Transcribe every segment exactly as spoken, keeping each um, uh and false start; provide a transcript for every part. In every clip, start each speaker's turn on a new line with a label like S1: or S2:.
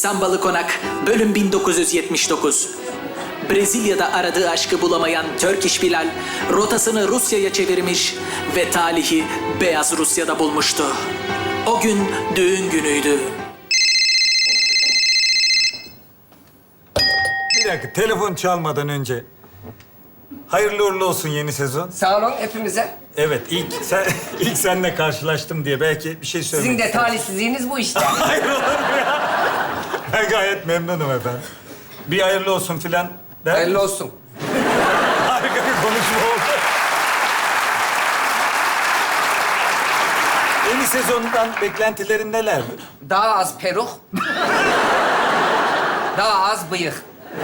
S1: Sambalı Konak, bölüm bin dokuz yüz yetmiş dokuz. Brezilya'da aradığı aşkı bulamayan Turkish Bilal, rotasını Rusya'ya çevirmiş ve talihi Beyaz Rusya'da bulmuştu. O gün düğün günüydü.
S2: Bir dakika, telefon çalmadan önce. Hayırlı uğurlu olsun yeni sezon.
S3: Sağ olun hepimize.
S2: Evet, ilk sen ilk seninle karşılaştım diye belki bir şey söylemek
S3: Sizin de
S2: istersin.
S3: talihsizliğiniz bu işte.
S2: Hayır olur mu ya? Ben gayet memnunum efendim. Bir hayırlı olsun filan. der
S3: Hayırlı
S2: misin?
S3: olsun.
S2: Harika bir konuşma oldu. Yeni sezondan beklentilerin nelerdir?
S3: Daha az peruk. Daha az bıyık.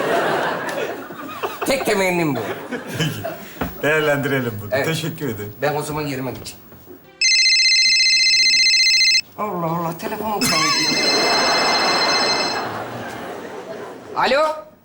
S3: Tek temennim bu.
S2: Değerlendirelim bunu.
S3: Evet.
S2: Teşekkür ederim.
S3: Ben o zaman yerime geçeyim. Allah Allah, telefonum çalıyor. Alo?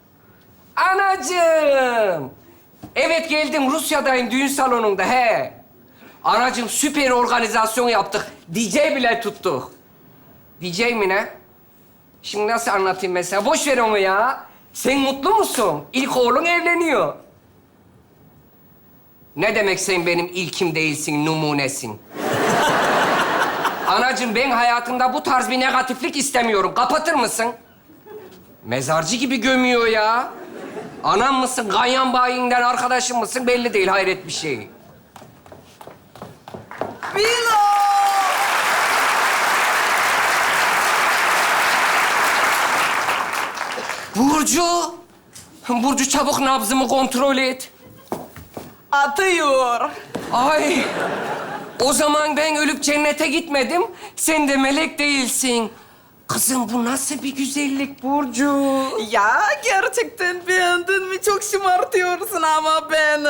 S3: Anacığım! Evet geldim, Rusya'dayım, düğün salonunda, he. Anacığım, süper organizasyon yaptık. D J bile tuttuk. D J mi ne? Şimdi nasıl anlatayım mesela? Boş ver onu ya. Sen mutlu musun? İlk oğlun evleniyor. Ne demek sen benim ilkim değilsin, numunesin? Anacığım ben hayatımda bu tarz bir negatiflik istemiyorum. Kapatır mısın? Mezarcı gibi gömüyor ya. Anam mısın, ganyan bayinden arkadaşım mısın belli değil, hayret bir şey.
S4: Bilo!
S3: Burcu! Burcu çabuk nabzımı kontrol et.
S4: Atıyor.
S3: Ay! O zaman ben ölüp cennete gitmedim. Sen de melek değilsin. Kızım bu nasıl bir güzellik Burcu?
S4: Ya gerçekten beğendin mi? Çok şımartıyorsun ama beni.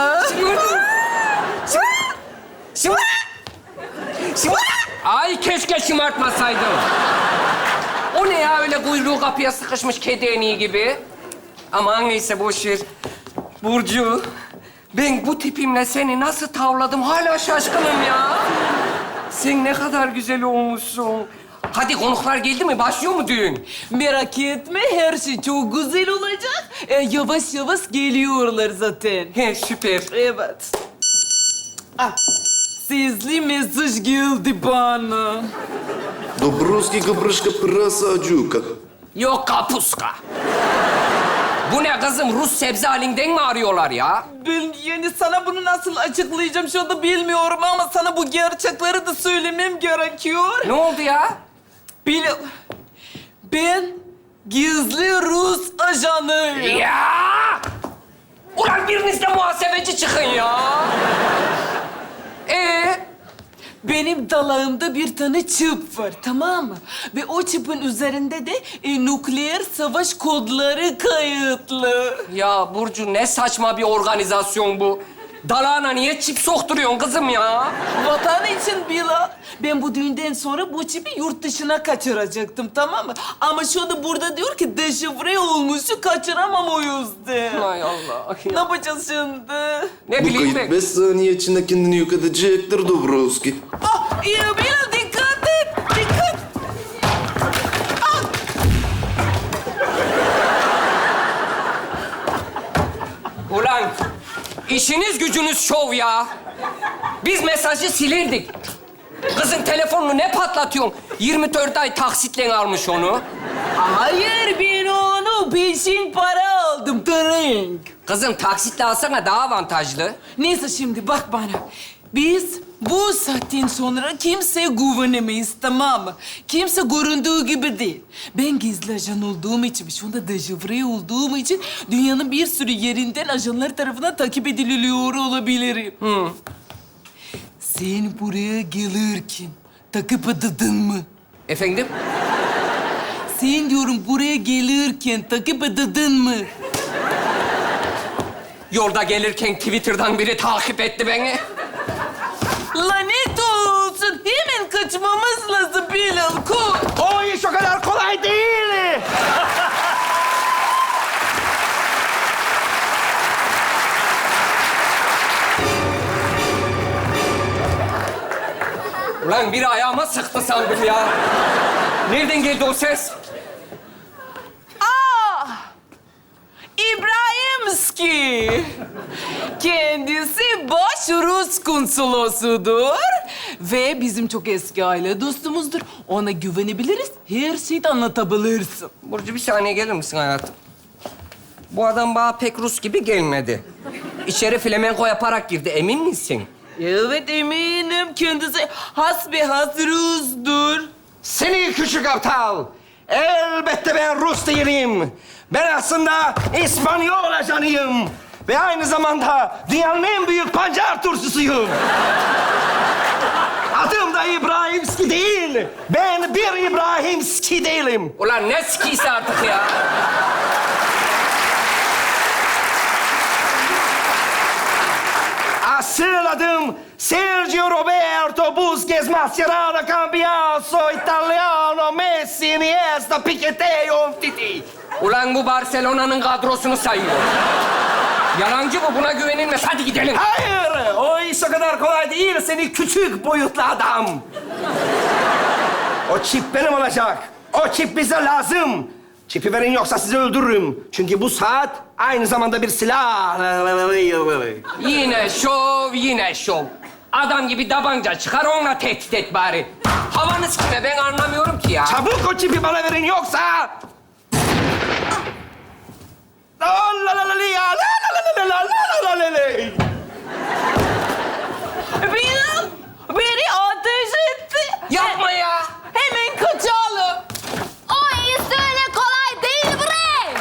S3: Şımar! Şımar! Ay keşke şımartmasaydım. O ne ya öyle kuyruğu kapıya sıkışmış kedi eniği gibi? Aman neyse boş ver. Burcu, ben bu tipimle seni nasıl tavladım hala şaşkınım ya. Sen ne kadar güzel olmuşsun. Hadi konuklar geldi mi? Başlıyor mu düğün?
S4: Merak etme, her şey çok güzel olacak. Ee, yavaş yavaş geliyorlar zaten.
S3: He süper.
S4: Evet. Ah, sesli mesaj geldi bana.
S5: Добровский капрышка просадюка.
S3: Yok kapuska. Bu ne kızım? Rus sebze halinden mi arıyorlar ya?
S4: Ben yani sana bunu nasıl açıklayacağım şu anda bilmiyorum ama sana bu gerçekleri de söylemem gerekiyor.
S3: Ne oldu ya?
S4: Bil... Ben gizli Rus ajanıyım.
S3: Ya! Ulan biriniz de muhasebeci çıkın ya. Ee?
S4: Benim dalağımda bir tane çip var, tamam mı? Ve o çipin üzerinde de e, nükleer savaş kodları kayıtlı.
S3: Ya Burcu ne saçma bir organizasyon bu. Dalağına niye çip sokturuyorsun kızım ya?
S4: Vatan için Bilal. Ben bu düğünden sonra bu çipi yurt dışına kaçıracaktım, tamam mı? Ama şu anda burada diyor ki deşifre olmuşu kaçıramam o yüzden.
S3: Hay Allah.
S4: Ne yapacağız şimdi?
S3: Ne
S5: Bu
S3: bileyim
S5: kayıt
S3: ben.
S5: beş saniye içinde kendini yok edecektir Dobrovski.
S4: Ah, iyi Bilal dikkat et, dikkat.
S3: Ulan işiniz gücünüz şov ya. Biz mesajı silirdik. Kızın telefonunu ne patlatıyorsun? yirmi dört ay taksitle almış onu.
S4: Hayır, ben onu peşin para aldım, drink.
S3: Kızım taksitle alsana daha avantajlı.
S4: Neyse şimdi bak bana. Biz bu saatten sonra kimseye güvenemeyiz, tamam mı? Kimse göründüğü gibi değil. Ben gizli ajan olduğum için, şu anda deşifre olduğum için dünyanın bir sürü yerinden ajanlar tarafından takip ediliyor olabilirim.
S3: Hı.
S4: Sen buraya gelirken takip edildin mi?
S3: Efendim?
S4: Sen diyorum buraya gelirken takip edildin mi?
S3: Yolda gelirken Twitter'dan biri takip etti beni.
S4: Lanet olsun. Hemen kaçmamız lazım Bilal. Koş.
S6: O iş o kadar kolay değil.
S3: Ulan biri ayağıma sıktı sandım ya. Nereden geldi o ses?
S4: Ruski. Kendisi baş Rus konsolosudur. Ve bizim çok eski aile dostumuzdur. Ona güvenebiliriz, her şeyi anlatabilirsin.
S3: Burcu bir saniye gelir misin hayatım? Bu adam bana pek Rus gibi gelmedi. İçeri flamenko yaparak girdi, emin misin?
S4: Evet eminim, kendisi hasbihas Rus'dur.
S3: Seni küçük aptal! Elbette ben Rus değilim. Ben aslında İspanyol ajanıyım. Ve aynı zamanda dünyanın en büyük pancar turşusuyum. Adım da İbrahimski değil. Ben bir İbrahimski değilim. Ulan ne skisi artık ya? Asıl adım Sergio Roberto Busquets Mascherano Cambiaso Italiano Messi Iniesta Piquete Umtiti. Ulan bu Barcelona'nın kadrosunu sayıyor. Yalancı bu, buna güvenilmez. Hadi gidelim. Hayır, o iş o kadar kolay değil. Seni küçük boyutlu adam. O çip benim olacak. O çip bize lazım. Çipi verin yoksa sizi öldürürüm. Çünkü bu saat aynı zamanda bir silah. Yine şov, yine şov. Adam gibi tabanca çıkar, onunla tehdit et bari. Havanız kime, ben anlamıyorum ki ya. Çabuk o çipi bana verin yoksa... La la la la la ya, la la la la la la la la.
S4: Bilal, beni ateş etti.
S3: Yapma ya.
S4: Hemen kaçalım.
S7: O iyisi öyle kolay değil bre.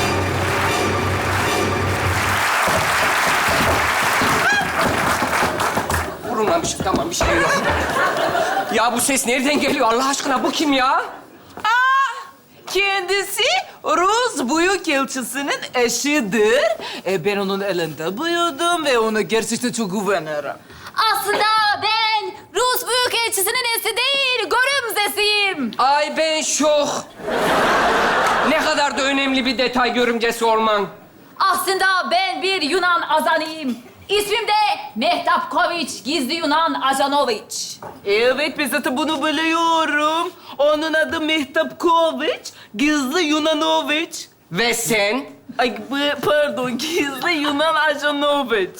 S3: Vurulmamışım, tamam bir şey yok. Ya bu ses nereden geliyor Allah aşkına? Bu kim ya?
S4: Aa, kendisi Rus Büyükelçisi'nin eşidir. E, ben onun elinde büyüdüm ve ona gerçekten çok güvenirim.
S7: Aslında ben Rus Büyükelçisi'nin nesi değil, görümcesiyim.
S3: Ay ben şok. Ne kadar da önemli bir detay görümcesi olman.
S7: Aslında ben bir Yunan azanıyım. İsmim de Mehtap Koviç, gizli Yunan Ajanoviç.
S4: Evet, ben zaten bunu biliyorum. Onun adı Mehtap Koviç, gizli Yunanoviç.
S3: Ve sen?
S4: Ay bu- pardon, gizli Yunan Ajanoviç.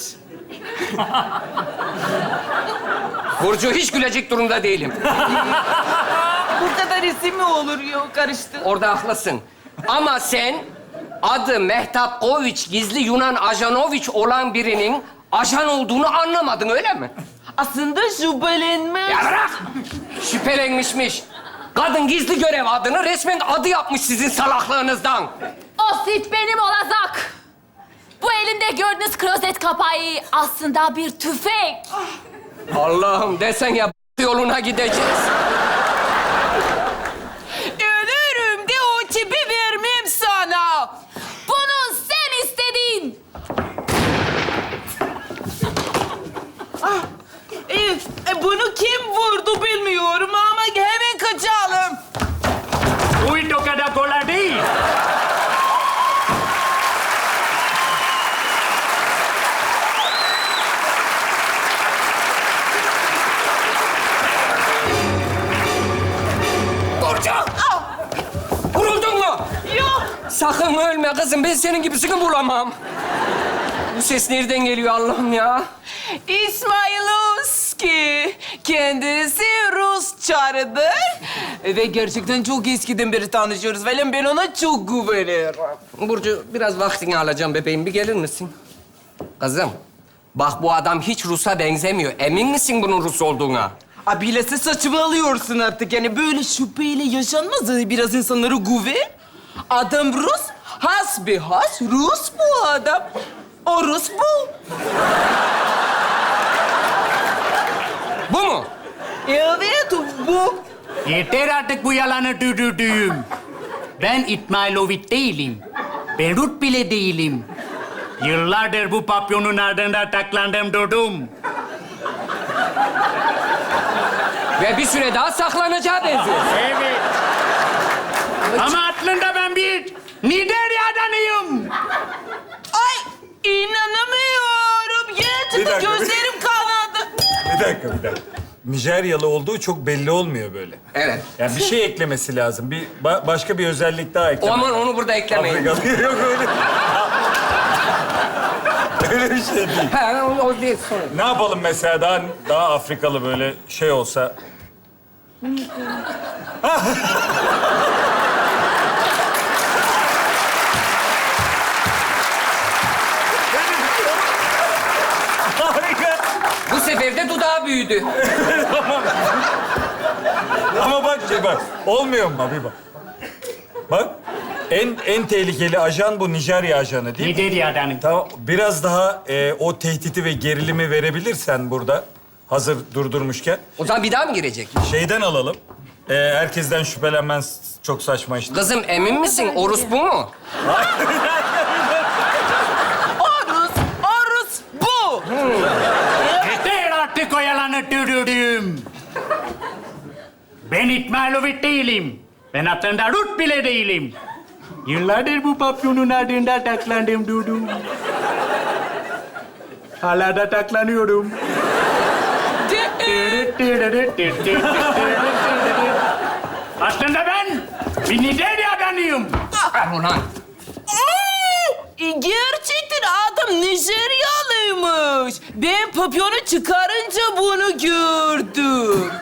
S3: Burcu hiç gülecek durumda değilim.
S4: Bu kadar isim mi olur ya, karıştı.
S3: Orada haklısın. Ama sen adı Mehtap Koviç, gizli Yunan Ajanoviç olan birinin ajan olduğunu anlamadın, öyle mi?
S4: Aslında şüphelenmez.
S3: Ya bırak! Şüphelenmişmiş. Kadın gizli görev adını resmen adı yapmış sizin salaklığınızdan.
S7: O sit benim olacak. Bu elimde gördüğünüz klozet kapağı aslında bir tüfek.
S3: Allah'ım desen ya yoluna gideceğiz.
S4: Ölürüm de o çipi vermem sana.
S7: Bunu sen istedin.
S4: E, e, bunu kim vurdu bilmiyorum ama hemen kaçalım.
S2: Uy, o kadar kolay değil.
S3: Burcu! Vuruldun mu?
S4: Yok.
S3: Sakın ölme kızım, ben senin gibisini bulamam. Bu ses nereden geliyor Allah'ım ya?
S4: İsmailovski. Kendisi Rus çarıdır. Ve gerçekten çok eskiden beri tanışıyoruz. Falan ben ona çok güvenirim.
S3: Burcu biraz vaktini alacağım bebeğim, bir gelir misin? Kızım, bak bu adam hiç Rus'a benzemiyor. Emin misin bunun Rus olduğuna?
S4: Abilesi saçmalıyorsun artık. Yani böyle şüpheyle yaşanmaz. Biraz insanlara güven. Adam Rus, hasbihas Rus bu adam. O Rus bu.
S3: Bu mu?
S4: Evet, bu.
S8: Yeter artık bu yalanı düdüdüğüm. Ben İsmailoviç değilim. Berut bile değilim. Yıllardır bu papyonun ardında taklandım durdum.
S3: Ve bir süre daha saklanacağı benziyor.
S8: Evet. Ama aslında ben bir Nijerya'danıyım.
S4: Ay, inanamıyorum. Gerçekten
S2: Bir dakika, bir-
S4: gözlerim kanadı.
S2: Bir dakika, bir dakika. Nijeryalı olduğu çok belli olmuyor böyle.
S3: Evet.
S2: Yani bir şey eklemesi lazım. Bir ba- başka bir özellik daha eklemek.
S3: Aman onu burada eklemeyin.
S2: Afrikalı yok öyle. Öyle bir şey değil.
S3: Ha, o, o değil sorun.
S2: Ne yapalım mesela daha daha Afrikalı böyle şey olsa? Harika.
S3: Bu sefer de dudağı büyüdü.
S2: Ama bak şey bak. Olmuyor mu abi bak. Bak. En en tehlikeli ajan bu Nijerya ajanı değil mi?
S8: Nijerya'dan.
S2: Tamam. Biraz daha e, o tehditi ve gerilimi verebilirsen burada. Hazır durdurmuşken.
S3: O zaman bir daha mı girecek?
S2: Şeyden alalım. E, herkesten şüphelenmen s- çok saçma işte.
S3: Kızım emin misin? Orus bu mu?
S4: Orus, Orus bu.
S8: Yeter artık o yalanı dürürüm. Ben İtmailovic değilim. Ben aslında Rut bile değilim. Yıllardır bu papyonun ardında taklandım durdum. Hala da taklanıyorum. Aslında ben bir Nijerya'danıyım.
S3: Ver ulan.
S4: E, gerçekten adam Nijeryalıymış. Ben papyonu çıkarınca bunu gördüm.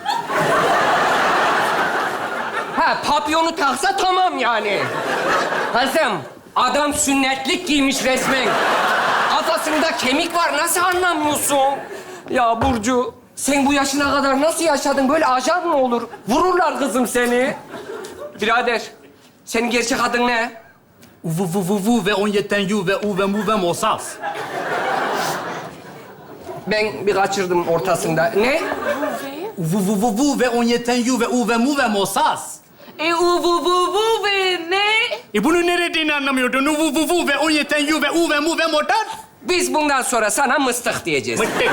S3: Ha, papyonu taksa tamam yani. Kızım, adam sünnetlik giymiş resmen. Kafasında kemik var, nasıl anlamıyorsun? Ya Burcu, sen bu yaşına kadar nasıl yaşadın? Böyle ajan mı olur? Vururlar kızım seni. Birader, senin gerçek adın ne?
S8: Uvu vu vu vu ve on yeten yu ve u ve mu ve mosas.
S3: Ben bir kaçırdım ortasında. Ne?
S8: Uvu vu vu vu ve on yeten yu ve u ve mu ve mosas.
S4: E uvu vu vu ve ne?
S8: E bunu ne dediğini anlamıyordun. Uvu vu vu ve on yeten yu ve u ve mu ve motas.
S3: Biz bundan sonra sana mıstık diyeceğiz.
S8: Mıttık.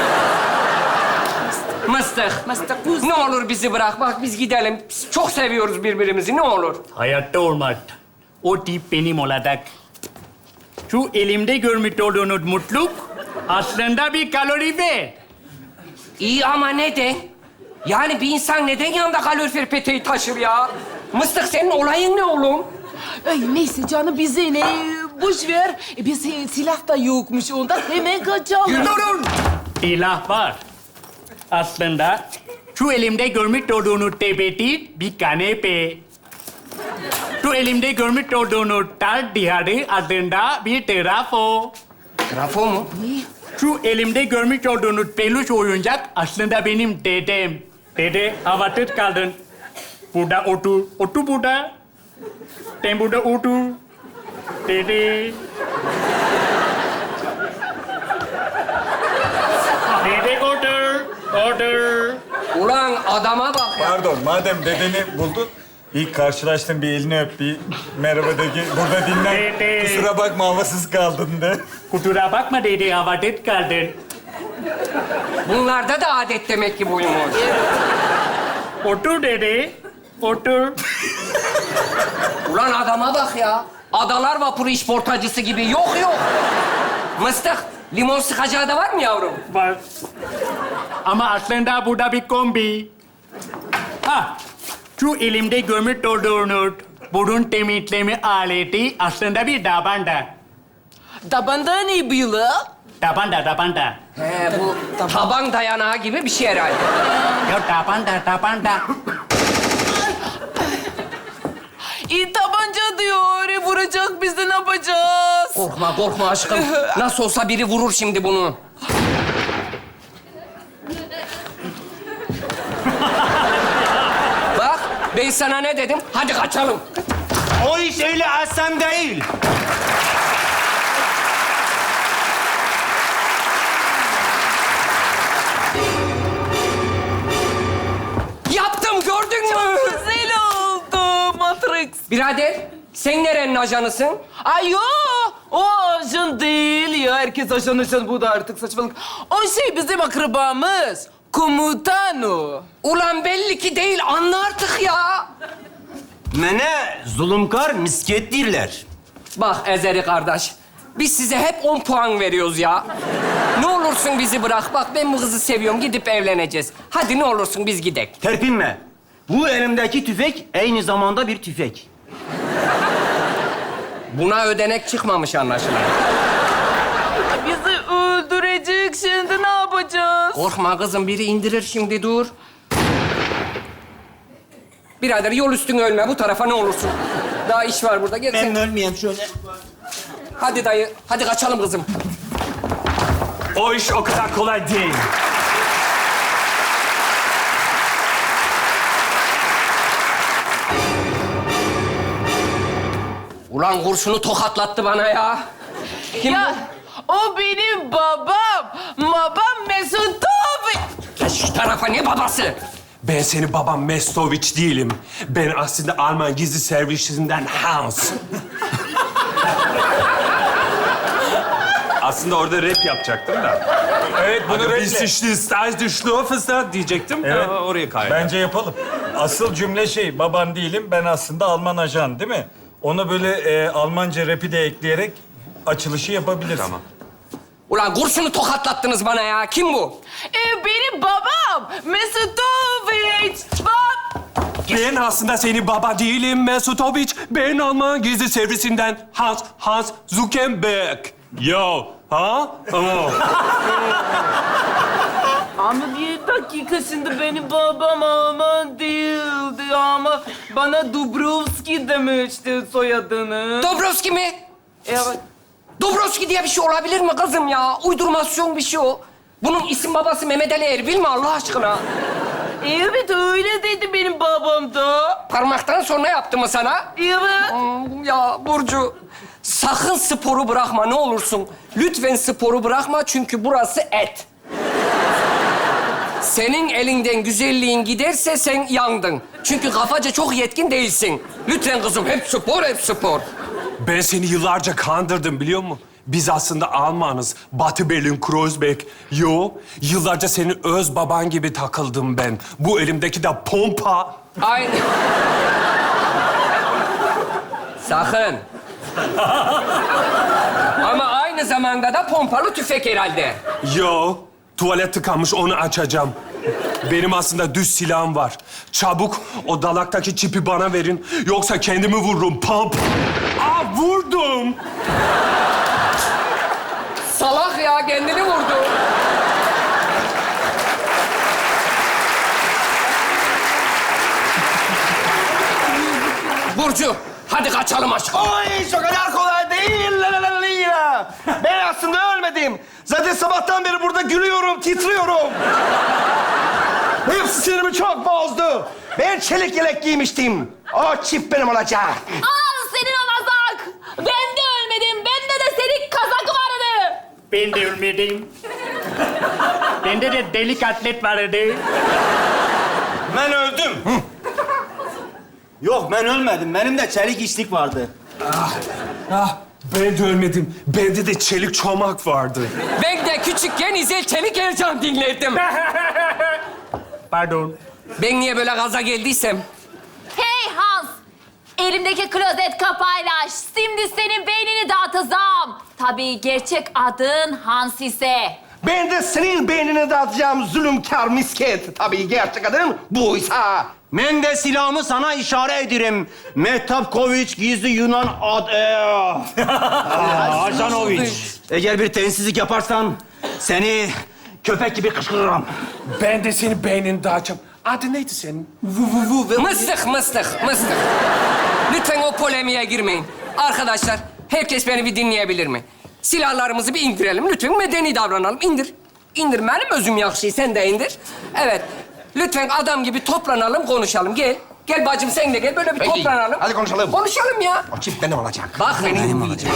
S3: Mıstık.
S4: Mıstık mıstık.
S3: Ne olur bizi bırak. Bak biz gidelim. Biz çok seviyoruz birbirimizi. Ne olur.
S8: Hayatta olmaz. O tip benim olacak. Şu elimde görmüş olduğunuz mutluluk aslında bir kalorifer.
S3: İyi ama neden? Yani bir insan neden yanında kalorifer peteği taşır ya? Mıstık senin olayın ne oğlum?
S4: Ay neyse canım bize ne? Boş ver. E, biz silah da yokmuş ondan hemen kaçalım.
S8: Durun! Silah var. Aslında şu elimde görmüş olduğunuz tepeti bir kanepe. Şu elimde görmüş olduğunuz tal diyarı aslında bir trafo.
S3: Trafo mu?
S8: Şu elimde görmüş olduğunuz peluş oyuncak aslında benim dedem. Dede, havasız kaldın. Burada otur. Otur burada. Sen burada otur. Dede. Dede otur. Otur.
S3: Ulan adama bak ya.
S2: Pardon, madem dedeni buldun, ilk karşılaştın bir elini öp, bir merhaba de ki burada dinlen.
S8: Dede.
S2: Kusura bakma havasız kaldın de.
S8: Kusura bakma dede, havasız kaldın.
S3: Bunlarda da adet demek ki buymuş.
S8: Otur dede. Otur.
S3: Ulan adama bak ya. Adalar vapuru işportacısı gibi. Yok yok. Mıstık, limon sıkacağı da var mı yavrum?
S8: Var. Ama aslında burada bir kombi. Ha, şu elimde görmüş olduğunuz burun temizleme aleti aslında bir tabanca.
S4: Tabanda ne böyle?
S8: Tabanca, tabanca.
S3: He, bu taban dayanağı gibi bir şey herhalde.
S8: Ya tabanca, tabanca.
S4: E tabanca diyor. E, vuracak bizi ne yapacağız?
S3: Korkma, korkma aşkım. Nasıl olsa biri vurur şimdi bunu. Bak, ben sana ne dedim? Hadi kaçalım.
S6: O iş öyle aslan değil.
S3: Yaptım, gördün mü?
S4: Güzel oldu Matrix.
S3: Birader, sen nerenin ajanısın?
S4: Ay yo, o ajan değil ya. Herkes ajan ajan bu da artık saçmalık. O şey bizim akrabamız. Komutan o.
S3: Ulan belli ki değil, anla artık ya.
S6: Mene zulümkar misket dirler.
S3: Bak Ezeri kardeş, biz size hep on puan veriyoruz ya. Ne olursun bizi bırak. Bak ben bu kızı seviyorum, gidip evleneceğiz. Hadi ne olursun biz gidek.
S6: Terpinme. Bu elimdeki tüfek aynı zamanda bir tüfek.
S3: Buna ödenek çıkmamış anlaşılan.
S4: Bizi çıktı, ne yapacağız?
S3: Korkma kızım, biri indirir şimdi, dur. Birader yol üstüne ölme, bu tarafa ne olursun. Daha iş var burada, gel sen.
S6: Ben ölmeyeyim şöyle.
S3: Hadi dayı, hadi kaçalım kızım.
S9: O iş o kadar kolay değil.
S3: Ulan kurşunu tokatlattı bana ya. Kim
S4: Ya o benim babam. Babam Mesut abi.
S3: bu? Şu tarafa, ne babası?
S9: Ben senin babam Mestoviç değilim. Ben aslında Alman gizli servisinden Hans. Aslında orada rap yapacaktım da.
S2: Evet, bunu
S9: Hani
S2: renkle.
S9: biz işte staj düşlüyorsa diyecektim.
S2: Evet.
S9: Ama oraya kaydı.
S2: Bence yapalım. Asıl cümle şey, baban değilim, ben aslında Alman ajan değil mi? Ona böyle e, Almanca rapi de ekleyerek açılışı yapabiliriz.
S9: Tamam.
S3: Ulan kurşunu tokatlattınız bana ya. Kim bu?
S4: E, benim babam Mesutoviç. Bab.
S9: Ben aslında senin baba değilim Mesutoviç. Ben Alman gizli servisinden Hans, Hans Zuckerberg. Yo, ha? Oh.
S4: Ama bir dakika, şimdi benim babam Alman değildi ama bana Dubrovski demişti soyadını.
S3: Dobrovski mi?
S4: Evet.
S3: Dobrovski diye bir şey olabilir mi kızım ya? Uydurmasyon bir şey o. Bunun isim babası Mehmet Ali Erbil mi Allah aşkına?
S4: Evet, öyle dedi benim babam da.
S3: Parmaktan sonra yaptı mı sana?
S4: Evet.
S3: Hmm, ya Burcu, sakın sporu bırakma ne olursun. Lütfen sporu bırakma çünkü burası et. Senin elinden güzelliğin giderse sen yandın. Çünkü kafaca çok yetkin değilsin. Lütfen kızım, hep spor, hep spor.
S9: Ben seni yıllarca kandırdım biliyor musun? Biz aslında Almanız. Batı Berlin, Kreuzberg. Yo, yıllarca senin öz baban gibi takıldım ben. Bu elimdeki de pompa.
S3: Aynen. Sakın. Ama aynı zamanda da pompalı tüfek herhalde.
S9: Yo, tuvalet tıkanmış onu açacağım. Benim aslında düz silahım var. Çabuk o dalaktaki çipi bana verin. Yoksa kendimi vururum. Pump. Aa, vurdum.
S3: Salak ya, kendini vurdu. Burcu, hadi kaçalım aşkım.
S6: O iş o kadar kolay değil. La la la la la. Ben aslında ölmedim. Zaten sabahtan beri burada gülüyorum, titriyorum. Hepsi sinirimi çok bozdu. Ben çelik yelek giymiştim. O çift benim olacak.
S7: Al senin olacak. Ben de ölmedim. Bende de senin kazak vardı.
S8: Ben de ölmedim. Bende de delik atlet vardı.
S6: Ben öldüm. Yok, ben ölmedim. Benim de çelik içlik vardı.
S9: Ah, ben de ölmedim. Bende de çelik çomak vardı.
S3: Ben de küçükken İzel Çelik Ercan dinlerdim.
S8: Pardon.
S3: Ben niye böyle gaza geldiysem?
S7: Hey Hans. Elimdeki klozet kapağıyla şimdi senin beynini dağıtacağım. Tabii gerçek adın Hans ise.
S6: Ben de senin beynini dağıtacağım zulümkar misket. Tabii gerçek adın buysa. Ben de silahımı sana işaret ederim. Mehtap Koviç gizli Yunan ad... Ajanoviç. Eğer bir tensizlik yaparsan seni köpek gibi kışkırırım.
S9: Ben de senin beynini dağıtacağım. Adı neydi senin?
S3: Mıstık, mıstık, mıstık. Lütfen o polemiğe girmeyin. Arkadaşlar, herkes beni bir dinleyebilir mi? Silahlarımızı bir indirelim. Lütfen medeni davranalım. İndir. İndir. Benim özüm yakşı. Sen de indir. Evet. Lütfen adam gibi toplanalım, konuşalım. Gel. Gel bacım sen de gel. Böyle bir
S6: Peki.
S3: toplanalım.
S6: Hadi konuşalım.
S3: Konuşalım ya.
S6: O çift benim olacak.
S3: Bak benim olacak.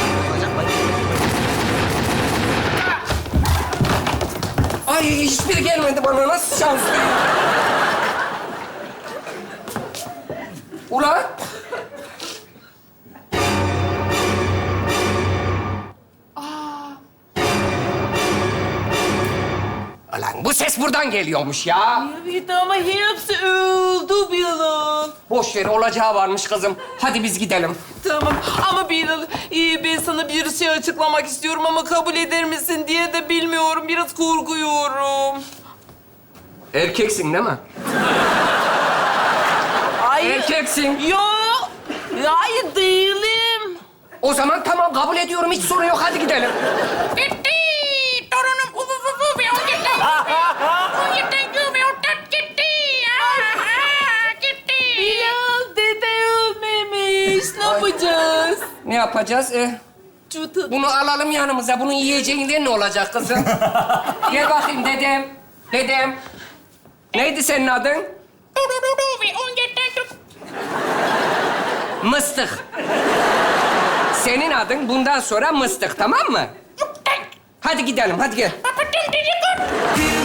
S3: Ay hiçbiri gelmedi bana. Nasıl şanslı? Ulan. Ulan bu ses buradan geliyormuş ya.
S4: Evet ama hepsi öldü Bilal.
S3: Boş ver, olacağı varmış kızım. Hadi biz gidelim.
S4: Tamam ama Bilal, e, ben sana bir şey açıklamak istiyorum ama kabul eder misin diye de bilmiyorum. Biraz korkuyorum.
S3: Erkeksin değil mi?
S4: Hayır.
S3: Erkeksin.
S4: Yok. Hayır değilim.
S3: O zaman tamam kabul ediyorum. Hiç sorun yok. Hadi gidelim.
S4: Torunum uvu uvu uvu Bilal dede ölmemiş. Ne yapacağız?
S3: Ne yapacağız? E,
S4: Çutu.
S3: bunu alalım yanımıza. Bunun yiyeceğinden ne olacak kızım? Gel bakayım dedem. Dedem. Neydi senin adın? Mıstık. Senin adın bundan sonra Mıstık, tamam mı? Hadi gidelim, hadi gel.